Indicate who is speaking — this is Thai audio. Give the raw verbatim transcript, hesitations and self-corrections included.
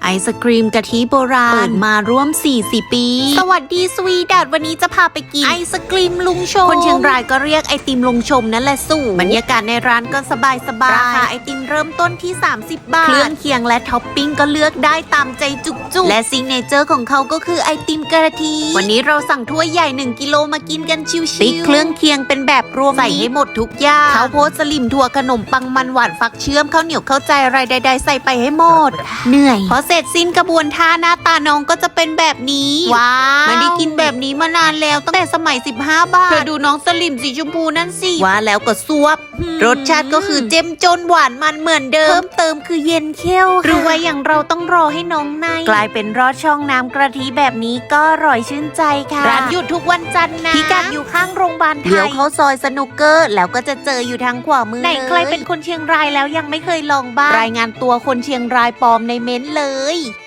Speaker 1: ศกรีมกะทิโบราณเปิดมาร่วมสี่สิบปีสวัสดีสวีดัตวันนี้จะพาไปกินไอศกรีมลุงชมคนเชียงรายก็เรียกไอติมลุงชมนั่นแหละสู่บรรยากาศในร้านก็สบายสบายราคาไอติมเริ่มต้นที่สามสิบบาทเครื่องเคียงและท็อปปิ้งก็เลือกได้ตามใจจุกๆและซิกเนเจอร์ของเขาก็คือไอติมกะทิวันนี้เราสั่งถ้วยใหญ่หนึ่งกิโลมากินกันชิวๆติ๊กเครื่องเคียงเป็นแบบรวมใส่ให้หมดทุกอย่างข้าวโพดสลิมถั่วขนมปังมันหวานฟักเชื่อมข้าวเหนียวข้าวใจอะไรใดๆใส่ไปให้หมดเหนื่อยพอเสร็จสิ้นกระบวนท่าหน้าตาน้องก็จะเป็นแบบนี้ว้าวไม่ได้กินแบบนี้มานานแล้วตั้งแต่สมัยสิบห้าบาทเธอดูน้องสลิมสีชมพูนั่นสิว่าแล้วก็ซวบรสชาติก็คือเจ้มจนหวานมันเหมือนเดิมเพิ่มเติมคือเย็นเคี้ยวหรือว่าอย่างเราต้องรอให้น้องในกลายเป็นรอดช่องน้ำกะทิแบบนี้ก็อร่อยชื่นใจค่ะร้านหยุดทุกวันจันทร์นะพิกัดอยู่ข้างโรงพยาบาลไทยเดี๋ยวเขาซอยสนุกเกอร์แล้วก็จะเจออยู่ทางขวามือไหนใครเป็นคนเชียงรายแล้วยังไม่เคยลองบ้างรายงานตัวคนเชียงรายปลอมในเม้นเลย